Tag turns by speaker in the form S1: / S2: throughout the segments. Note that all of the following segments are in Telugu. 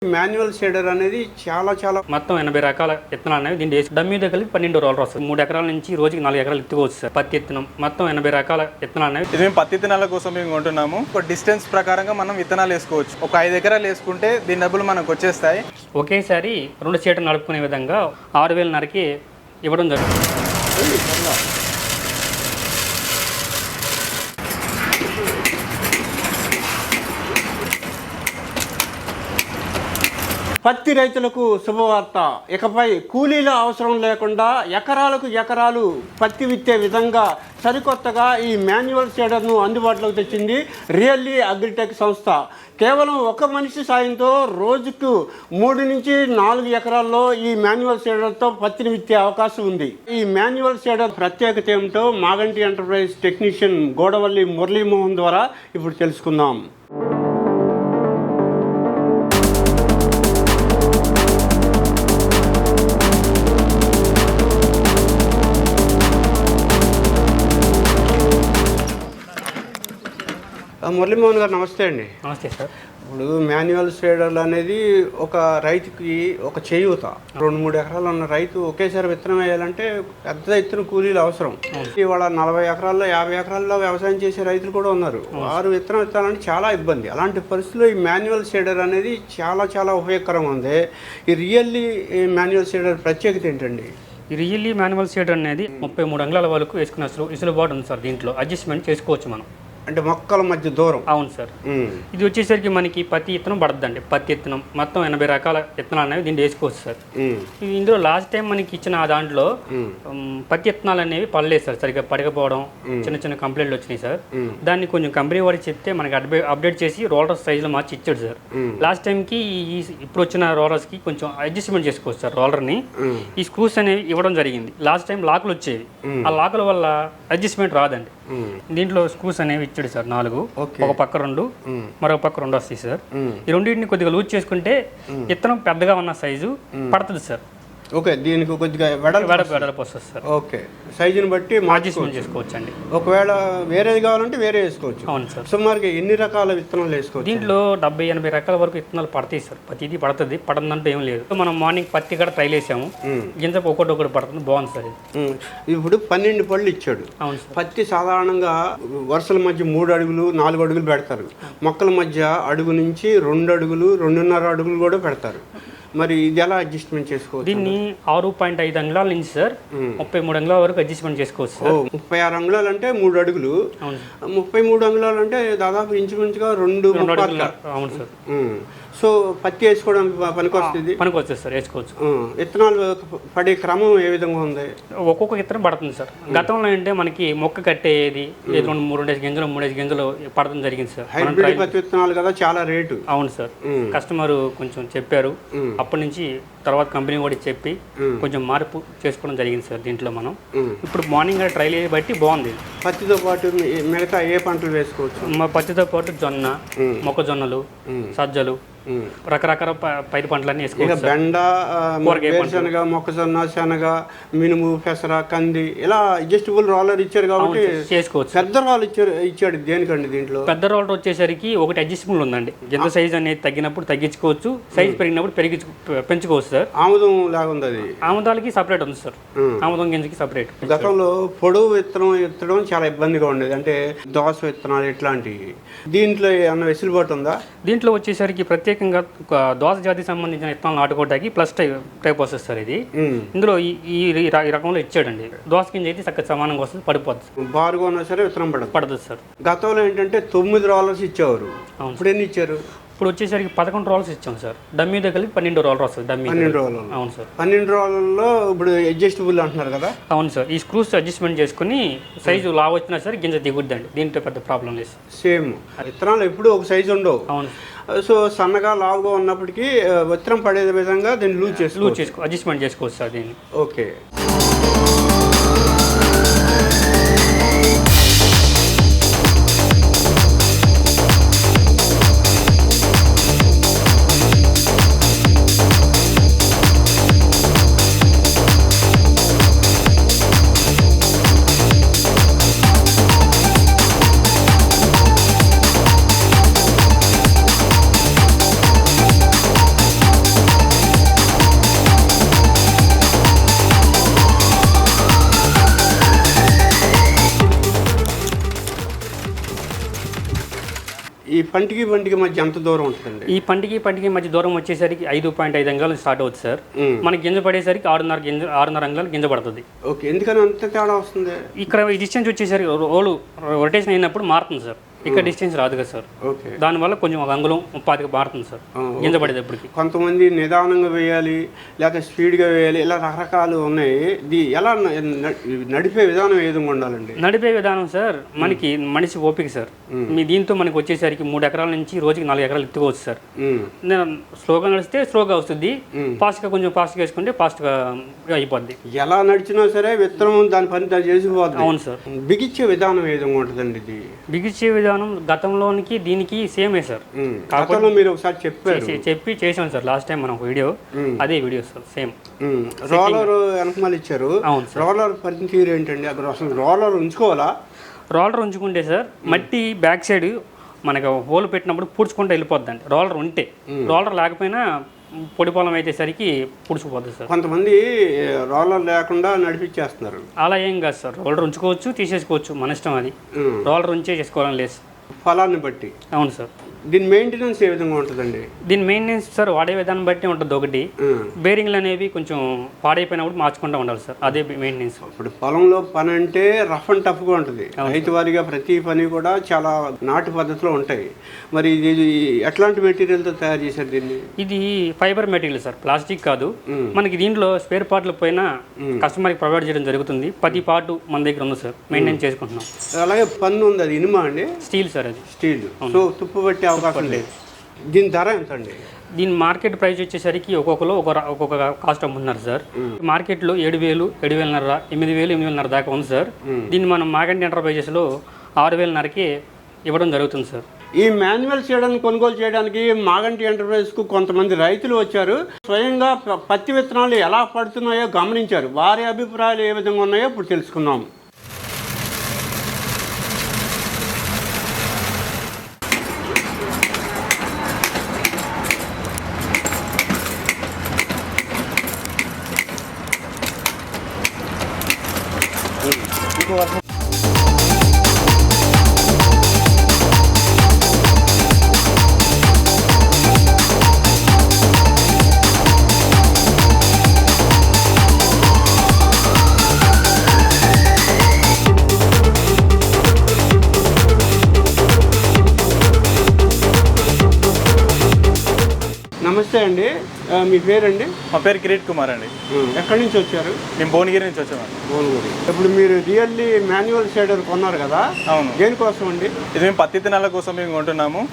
S1: మాన్యువల్ షేడర్ అనేది చాలా చాలా
S2: మొత్తం 80 రకాల విత్తనాలు అనేవి దీన్ని వేసి డమ్మీ దగ్గర 12 రోలర్ వస్తుంది. 3 ఎకరాల నుంచి రోజుకి 4 ఎకరాలు ఎత్తుకోవచ్చు సార్. పత్తి విత్తనం మొత్తం 80 రకాల విత్తనాలు అనేవి
S3: ఇది మేము పత్తి విత్తనాల కోసం మేము కొంటున్నాము. ఒక డిస్టెన్స్ ప్రకారంగా మనం విత్తనాలు వేసుకోవచ్చు. ఒక 5 ఎకరాలు వేసుకుంటే దీని డబ్బులు మనకు వచ్చేస్తాయి.
S2: ఒకేసారి 2 చీటలు నడుపుకునే విధంగా 6,000న్నరకి ఇవ్వడం జరుగుతుంది.
S1: పత్తి రైతులకు శుభవార్త. ఇకపై కూలీల అవసరం లేకుండా ఎకరాలకు ఎకరాలు పత్తి విత్తే విధంగా సరికొత్తగా ఈ మాన్యువల్ షేడర్ను అందుబాటులోకి తెచ్చింది రియల్లీ అగ్రిటెక్ సంస్థ. కేవలం ఒక మనిషి సాయంతో రోజుకు 3 నుంచి 4 ఎకరాల్లో ఈ మాన్యువల్ షేడర్తో పత్తిని విత్తే అవకాశం ఉంది. ఈ మాన్యువల్ షేడర్ ప్రత్యేకత ఏమిటో మాగంటి ఎంటర్ప్రైజ్ టెక్నీషియన్ గోడవల్లి మురళీమోహన్ ద్వారా ఇప్పుడు తెలుసుకుందాం. మురళీమోహన్ గారు నమస్తే అండి.
S2: నమస్తే సార్.
S1: ఇప్పుడు మాన్యువల్ షేడర్లు అనేది ఒక రైతుకి ఒక చేయూత. 2-3 ఎకరాలు ఉన్న రైతు ఒకేసారి విత్తనం వేయాలంటే పెద్ద ఎత్తున కూలీలు అవసరం. ఇవాళ 40 ఎకరాల్లో 50 ఎకరాల్లో వ్యవసాయం చేసే రైతులు కూడా ఉన్నారు. వారు విత్తనం విత్తాలంటే చాలా ఇబ్బంది. అలాంటి పరిస్థితుల్లో ఈ మాన్యువల్ షేడర్ అనేది చాలా చాలా ఉపయోగకరంగా ఉంది. ఈ రియల్లీ మాన్యువల్ షేడర్ ప్రత్యేకత ఏంటండి?
S2: ఈ రియల్లీ మాన్యువల్ షేడర్ అనేది 33 అంగుళాల వరకు వేసుకునే వెసులుబాటు ఉంది సార్. దీంట్లో అడ్జస్ట్మెంట్ చేసుకోవచ్చు మనం.
S1: అంటే మొక్కల మధ్య దూరం.
S2: అవును సార్. ఇది వచ్చేసరికి మనకి పత్తి విత్తనం పడద్దండి. పత్తి విత్తనం మొత్తం 80 రకాల విత్తనాలు అనేవి దీన్ని వేసుకోవచ్చు సార్. ఇందులో లాస్ట్ టైం మనకి ఇచ్చిన దాంట్లో పత్తి విత్తనాలు అనేవి పడలేదు సార్. సరిగ్గా పడకపోవడం, చిన్న చిన్న కంప్లైంట్లు వచ్చినాయి సార్. దాన్ని కొంచెం కంపెనీ వాడికి చెప్తే మనకి అప్డేట్ చేసి రోలర్ సైజులో మార్చి ఇచ్చాడు సార్. లాస్ట్ టైంకి ఇప్పుడు వచ్చిన రోలర్స్కి కొంచెం అడ్జస్ట్మెంట్ చేసుకోవచ్చు సార్. రోలర్ని ఈ స్క్రూస్ అనేవి ఇవ్వడం జరిగింది. లాస్ట్ టైం లాకులు వచ్చేవి. ఆ లాకుల వల్ల అడ్జస్ట్మెంట్ రాదండి. దీంట్లో స్క్రూస్ అనేవి ఇచ్చాడు సార్ 4. ఒక పక్క 2, మరొక పక్క 2 వస్తాయి సార్. ఈ రెండింటిని కొద్దిగా లూజ్ చేసుకుంటే విత్తనం పెద్దగా ఉన్న సైజు పడుతుంది సార్.
S1: ఓకే, దీనికి కొద్దిగా
S2: వెడల్పు వస్తుంది సార్.
S1: ఓకే, సైజుని బట్టి
S2: అడ్జస్ట్మెంట్ చేసుకోవచ్చు అండి.
S1: ఒకవేళ వేరేది కావాలంటే వేరే వేసుకోవచ్చు.
S2: అవును సార్.
S1: సుమారుగా ఎన్ని రకాల విత్తనాలు వేసుకోవచ్చు?
S2: దీంట్లో 70-80 రకాల వరకు విత్తనాలు పడతాయి సార్. ప్రతిదీ పడుతుంది, పడదంటే ఏం లేదు. మనం మార్నింగ్ పత్తి కూడా ట్రైల్ వేసాము. గింజ ఒకటి పడుతుంది, బాగుంది సార్.
S1: ఇప్పుడు 12 పళ్ళు ఇచ్చాడు.
S2: అవును సార్.
S1: పత్తి సాధారణంగా వరుసల మధ్య 3 అడుగులు 4 అడుగులు పెడతారు. మొక్కల మధ్య అడుగు నుంచి 2 అడుగులు 2.5 అడుగులు కూడా పెడతారు. మరి ఇది ఎలా అడ్జస్ట్మెంట్ చేసుకోవచ్చు?
S2: దీన్ని 6.5 అంగుళాల నుంచి సార్ 33 అంగుళాల వరకు అడ్జస్ట్మెంట్ చేసుకోవచ్చు సార్.
S1: 36 అంగుళాలు అంటే 3 అడుగులు. 33 అంగుళాలు అంటే దాదాపు ఇంచుమించుగా 2 అడుగులు.
S2: అవును సార్.
S1: సో పత్తి వేసుకోవడానికి పనికొస్తుంది
S2: సార్. వేసుకోవచ్చు.
S1: విత్తనాలు పడే క్రమం ఏ విధంగా ఉంది?
S2: ఒక్కొక్క విత్తనం పడుతుంది సార్. గతంలో అంటే మనకి మొక్క కట్టేది 2 గింజలు 3 గింజలు పడడం జరిగింది సార్.
S1: హైబ్రిడ్ పత్తి విత్తనాలు కదా, చాలా రేటు.
S2: అవును సార్. కస్టమర్ కొంచెం చెప్పారు. అప్పటి నుంచి తర్వాత కంపెనీ కూడా చెప్పి కొంచెం మార్పు చేసుకోవడం జరిగింది సార్. దీంట్లో మనం ఇప్పుడు మార్నింగ్ ట్రైల్ బట్టి బాగుంది.
S1: పత్తితో పాటు మిగతా ఏ పంటలు వేసుకోవచ్చు?
S2: పత్తితో పాటు జొన్న, మొక్కజొన్నలు, సజ్జలు, రకరకాల పైరు పంటలన్నీ వేసుకోవచ్చు.
S1: బెండ, వేరుశనగ, మొక్కజొన్న, శనగ, మినుము, పెసర, కంది ఇలా అడ్జస్టబుల్ రోలర్ ఇచ్చారు కాబట్టి
S2: చేసుకోవచ్చు.
S1: పెద్ద రోలర్ ఇచ్చాడు దేనికండి? దీంట్లో
S2: పెద్ద రోలర్ వచ్చేసరికి ఒకటి అడ్జస్టబుల్ ఉందండి. గింజ సైజ్ అనేది తగ్గినప్పుడు తగ్గించుకోవచ్చు, సైజ్ పెరిగినప్పుడు పెంచుకోవచ్చు సార్.
S1: ఆముదం లాగా ఉంది. అది
S2: ఆముదాలకి సపరేట్ ఉంది సార్. ఆముదం గింజకి సపరేట్.
S1: గతంలో పొడవు విత్తనం ఎత్తడం చాలా ఇబ్బందిగా ఉండేది, అంటే దోస విత్తనాలు ఇట్లాంటివి. దీంట్లో ఏమన్నా వెసులుబాటు ఉందా?
S2: దీంట్లో వచ్చేసరికి ప్రత్యేకంగా దోస జాతికి సంబంధించిన విత్తనాలు నాటుకోవడానికి ప్లస్ టైప్ వస్తుంది సార్. ఇది ఇందులో ఈ రకంలో ఇచ్చాడండి. దోస గింజ అయితే చక్కగా సమానంగా వస్తుంది, పడిపోతుంది.
S1: బారుగా ఉన్నా సరే విత్తనం పడుతుంది
S2: సార్.
S1: గతంలో ఏంటంటే 9 రోలర్స్ ఇచ్చేవారు. ఇప్పుడు ఎన్ని ఇచ్చారు?
S2: ఇప్పుడు వచ్చేసరికి 11 రోలర్స్ ఇచ్చాం సార్. డమ్మీ దగ్గర 12 రోలర్ వస్తుంది.
S1: 12 రోలర్.
S2: అవును సార్.
S1: 12 రోలర్లో ఇప్పుడు అడ్జస్టబుల్ అంటున్నారు కదా?
S2: అవును సార్. ఈ స్క్రూస్ అడ్జస్ట్మెంట్ చేసుకుని సైజు లావు వచ్చినా సరే గింజ దిగుద్దండి. దీంట్లో పెద్ద ప్రాబ్లం లేదు.
S1: సేమ్ విత్తనాలు ఎప్పుడు ఒక సైజు ఉండవు.
S2: అవును.
S1: సో సన్నగా లావుగా ఉన్నప్పటికీ విత్తనం పడే విధంగా దీన్ని లూజ్ చేసుకో
S2: అడ్జస్ట్మెంట్ చేసుకోవచ్చు సార్ దీన్ని.
S1: ఓకే. పంటికి మధ్య ఎంత దూరం ఉంటుందండి?
S2: ఈ పంటికి మధ్య దూరం వచ్చేసరికి 5.5 అంగుళాలు స్టార్ట్ అవుతుంది సార్. మనకి గింజ పడేసరికి 6.5 అంగుళాలు గింజ పడుతుంది.
S1: ఓకే, ఎందుకని అంత తేడా వస్తుంది?
S2: ఇక్కడ ఈ డిస్టెన్స్ వచ్చేసరికి రోలు రొటేషన్ అయినప్పుడు మారుతుంది సార్. ఇక్కడ డిస్టెన్స్ రాదు కదా సార్.
S1: ఓకే,
S2: దానివల్ల కొంచెం ఒక అంగుళం 30 మారుతుంది సార్ గింజ పడేటప్పటికి.
S1: కొంతమంది నిదానంగా వేయాలి, లేకపోతే స్పీడ్గా వేయాలి, ఇలా రకరకాలు ఉన్నాయి. ఎలా నడిపే విధానం ఏ విధంగా ఉండాలండి?
S2: నడిపే విధానం సార్ మనకి మనిషి ఓపిక సార్. మీ దీంతో మనకి వచ్చేసరికి 3 ఎకరాల నుంచి రోజుకి 4 ఎకరాలు ఎత్తుకోవచ్చు సార్. నేను స్లోగా నడిస్తే స్లోగా వస్తుంది, ఫాస్ట్గా కొంచెం ఫాస్ట్గా వేసుకుంటే ఫాస్ట్గా అయిపోద్ది.
S1: ఎలా నడిచినా సరే విత్తనం దాని పని దాన్ని చేసిపోద్ది.
S2: అవును సార్.
S1: బిగించే విధానం ఏ విధంగా ఉంటుందండి? ఇది
S2: బిగించే విధానం గతంలోనికి దీనికి సేమే సార్.
S1: కాకుండా మీరు ఒకసారి
S2: చెప్పి చేసాం సార్ లాస్ట్ టైం మనం వీడియో, అదే వీడియో సార్ సేమ్.
S1: రోలర్ వెనకమాల ఇచ్చారు.
S2: అవును సార్.
S1: రోలర్ పనితీరు ఏంటండి? అక్కడ అసలు రోలర్ ఉంచుకోవాలా?
S2: రోలర్ ఉంచుకుంటే సార్ మట్టి బ్యాక్ సైడ్ మనకు హోల్ పెట్టినప్పుడు పూడ్చుకుంటూ వెళ్ళిపోద్దండి రోలర్ ఉంటే. రోలర్ లేకపోయినా పొడి పొలం అయితే సరికి పుడుచుకుపోద్ది సార్.
S1: కొంతమంది రోలర్ లేకుండా నడిపించేస్తున్నారు.
S2: అలా ఏం కాదు సార్, రోలర్ ఉంచుకోవచ్చు, తీసేసుకోవచ్చు, మన ఇష్టం. అది రోలర్ ఉంచే చేసుకోవాలని లేదు
S1: ఫలాన్ని బట్టి.
S2: అవును సార్.
S1: దీని మెయింటెనెన్స్ ఏ విధంగా ఉంటుందండి?
S2: దీని మెయింటెనెన్స్ సార్ వాడే విధానం బట్టి ఉంటుంది. ఒకటి బేరింగ్లు అనేవి కొంచెం పాడైపోయినప్పుడు మార్చుకుంటూ ఉండాలి సార్, అదే మెయింటెనెన్స్.
S1: ఇప్పుడు పొలంలో పని అంటే రఫ్ అండ్ టఫ్గా ఉంటుంది. రైతు వారిగా ప్రతి పని కూడా చాలా నాటు పద్ధతిలో ఉంటాయి. మరి ఇది ఎట్లాంటి మెటీరియల్తో తయారు చేశారు దీన్ని?
S2: ఇది ఫైబర్ మెటీరియల్ సార్, ప్లాస్టిక్ కాదు. మనకి దీంట్లో స్పేర్ పార్ట్లు పైన కస్టమర్కి ప్రొవైడ్ చేయడం జరుగుతుంది. 10 పార్ట్ మన దగ్గర ఉంది సార్, మెయింటైన్ చేసుకుంటున్నాం.
S1: అలాగే పన్ను ఉంది, అది ఇనుమా అండి?
S2: Steel sir. అది
S1: స్టీల్, సో తుప్పు పట్టే అవకాశం లేదు. దీని ధర ఎంత అండి?
S2: దీని మార్కెట్ ప్రైస్ వచ్చేసరికి ఒక్కొక్కరు ఒక్కొక్క కాస్ట్ అమ్ముతున్నారు సార్. మార్కెట్లో 7,000, 7,500, 8,000, 8,500 దాకా ఉంది సార్. దీన్ని మనం మాగంటి ఎంటర్ప్రైజెస్లో 6,500కి ఇవ్వడం జరుగుతుంది సార్.
S1: ఈ మాన్యువల్ సీడర్ని కొనుగోలు చేయడానికి మాగంటి ఎంటర్ప్రైజ్కు కొంతమంది రైతులు వచ్చారు. స్వయంగా పత్తి విత్తనాలు ఎలా పడుతున్నాయో గమనించారు. వారి అభిప్రాయాలు ఏ విధంగా ఉన్నాయో ఇప్పుడు తెలుసుకుందాం. నమస్తే అండి, మీ పేరండి?
S3: మా పేరు కిరీట్ కుమార్ అండి.
S1: ఎక్కడి నుంచి వచ్చారు?
S3: మేము భువనగిరి నుంచి వచ్చామండి.
S1: భువనగిరి. ఇప్పుడు మీరు రియల్లీ మాన్యువల్ సీడర్ కొన్నారు కదా?
S3: అవును.
S1: దేనికోసం అండి?
S3: ఇది మేము పత్తి విత్తనాల కోసం మేము కొంటున్నాము.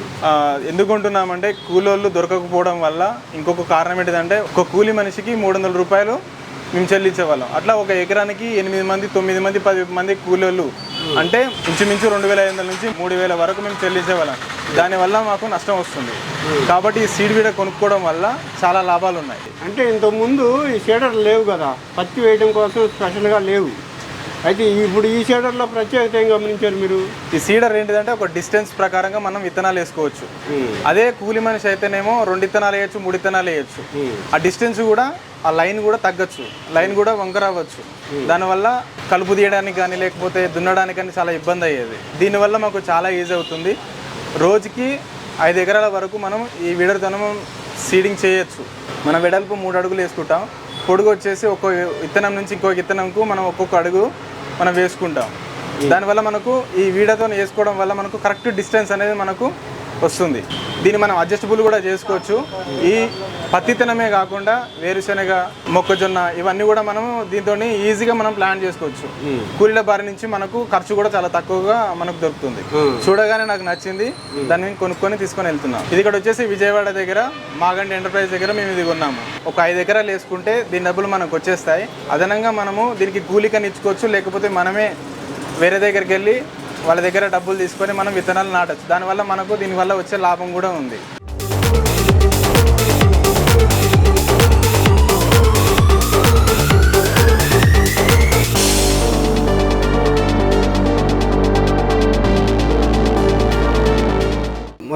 S3: ఎందుకు కొంటున్నామంటే కూలోళ్ళు దొరకకపోవడం వల్ల. ఇంకొక కారణం ఏంటిదంటే ఒక కూలి మనిషికి 300 రూపాయలు మేము చెల్లించేవాళ్ళం. అట్లా ఒక ఎకరానికి 8 మంది, 9 మంది, 10 మంది కూలోళ్ళు అంటే ఇంచుమించు 2,500 నుంచి 3,000 వరకు మేము చెల్లించేవాళ్ళం. దానివల్ల మాకు నష్టం వస్తుంది. కాబట్టి ఈ సీడ్ వీడ కొనుక్కోవడం వల్ల చాలా లాభాలు ఉన్నాయి.
S1: అంటే ఇంతకుముందు ఈ సీడర్ లేవు కదా, పత్తి వేయడం కోసం స్పెషల్గా లేవు. అయితే ఇప్పుడు ఈ సీడర్లో ప్రత్యేకత ఏం గమనించారు మీరు?
S3: ఈ సీడర్ ఏంటిదంటే ఒక డిస్టెన్స్ ప్రకారంగా మనం విత్తనాలు వేసుకోవచ్చు. అదే కూలి మనిషి అయితేనేమో 2 విత్తనాలు వేయచ్చు, 3 విత్తనాలు వేయచ్చు. ఆ డిస్టెన్స్ కూడా, ఆ లైన్ కూడా తగ్గచ్చు, లైన్ కూడా వంకర అవ్వచ్చు. దానివల్ల కలుపు తీయడానికి కానీ లేకపోతే దున్నడానికి కానీ చాలా ఇబ్బంది అయ్యేది. దీనివల్ల మాకు చాలా ఈజీ అవుతుంది. రోజుకి 5 ఎకరాల వరకు మనం ఈ విడతనం సీడింగ్ చేయొచ్చు. మన వెడల్పు 3 అడుగులు వేసుకుంటాం. పొడుగు వచ్చేసి ఒక్కో విత్తనం నుంచి ఇంకో విత్తనంకు మనం ఒక్కొక్క అడుగు మనం వేసుకుంటాం. దానివల్ల మనకు ఈ వీడతో వేసుకోవడం వల్ల మనకు కరెక్ట్ డిస్టెన్స్ అనేది మనకు వస్తుంది. దీన్ని మనం అడ్జస్టబుల్ కూడా చేసుకోవచ్చు. ఈ పత్తి విత్తనమే కాకుండా వేరుశనగ, మొక్కజొన్న ఇవన్నీ కూడా మనం దీంతో ఈజీగా మనం ప్లాన్ చేసుకోవచ్చు. కూలీల బారి నుంచి మనకు ఖర్చు కూడా చాలా తక్కువగా మనకు దొరుకుతుంది. చూడగానే నాకు నచ్చింది, దాన్ని కొనుక్కొని తీసుకొని వెళ్తున్నాం. ఇది ఇక్కడ వచ్చేసి విజయవాడ దగ్గర మాగంటి ఎంటర్ప్రైజ్ దగ్గర మేము ఇది కొన్నాము. ఒక 5 ఎకరాలు వేసుకుంటే దీని డబ్బులు మనకు వచ్చేస్తాయి. అదనంగా మనము దీనికి కూలికని ఇచ్చుకోవచ్చు, లేకపోతే మనమే వేరే దగ్గరికి వెళ్ళి వాళ్ళ దగ్గర డబ్బులు తీసుకొని మనం విత్తనాలు నాటచ్చు. దానివల్ల మనకు దీనివల్ల వచ్చే లాభం కూడా ఉంది.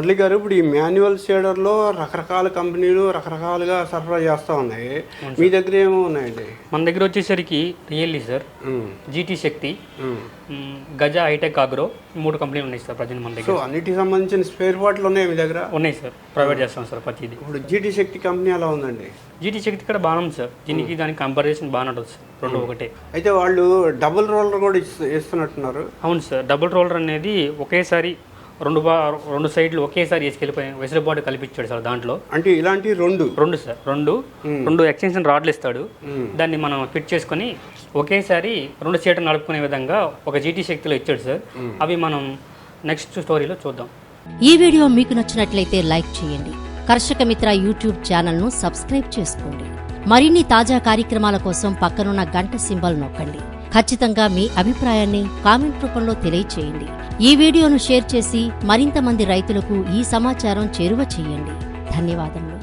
S1: మురళి గారు, ఇప్పుడు ఈ మాన్యువల్ షేడర్లో రకరకాల కంపెనీలు రకరకాలుగా సరఫరా చేస్తూ ఉన్నాయి. మీ దగ్గర ఏమో ఉన్నాయండి?
S2: మన దగ్గర వచ్చేసరికి రియల్లీ సార్, జీటీ శక్తి, గజ, హైటెక్, అగ్రో 3 కంపెనీలు ఉన్నాయి సార్ ప్రజెంట్ మన దగ్గర.
S1: సో అన్నిటికి సంబంధించిన స్పేర్ పార్ట్లు ఉన్నాయి మీ దగ్గర?
S2: ఉన్నాయి సార్, ప్రొవైడ్ చేస్తాం సార్ ప్రతిదీ.
S1: ఇప్పుడు జీటీ శక్తి కంపెనీ ఎలా ఉందండి?
S2: జీటీ శక్తి కూడా బాగానే ఉంది సార్, దీనికి దానికి కంపారిజన్ బాగానే ఉంటుంది సార్, 2 ఒకటే.
S1: అయితే వాళ్ళు డబుల్ రోలర్ కూడా ఇస్తున్నట్టున్నారు.
S2: అవును సార్, డబుల్ రోలర్ అనేది ఒకేసారి రెండు సైడ్లు ఒకేసారి వేసుకెళ్ళిపోయి వెసులుబాటు కల్పించాడు సార్ దాంట్లో.
S1: అంటే ఇలాంటి రెండు
S2: సార్ రెండు ఎక్స్టెన్షన్ రాడ్లు ఇస్తాడు. దాన్ని మనం ఫిట్ చేసుకొని ఒకేసారి 2 సీట్లు నడుపుకునే విధంగా ఒక జీటీ శక్తిలో ఇచ్చాడు సార్. అవి మనం నెక్స్ట్ స్టోరీలో చూద్దాం.
S4: ఈ వీడియో మీకు నచ్చినట్లయితే లైక్ చేయండి. కర్షక మిత్ర యూట్యూబ్ ఛానల్ను సబ్స్క్రైబ్ చేసుకోండి. మరిన్ని తాజా కార్యక్రమాల కోసం పక్కనున్న గంట సింబల్ నొక్కండి. ఖచ్చితంగా మీ అభిప్రాయాన్ని కామెంట్ రూపంలో తెలియచేయండి. ఈ వీడియోను షేర్ చేసి మరింత మంది రైతులకు ఈ సమాచారం చేరువ చేయండి. ధన్యవాదములు.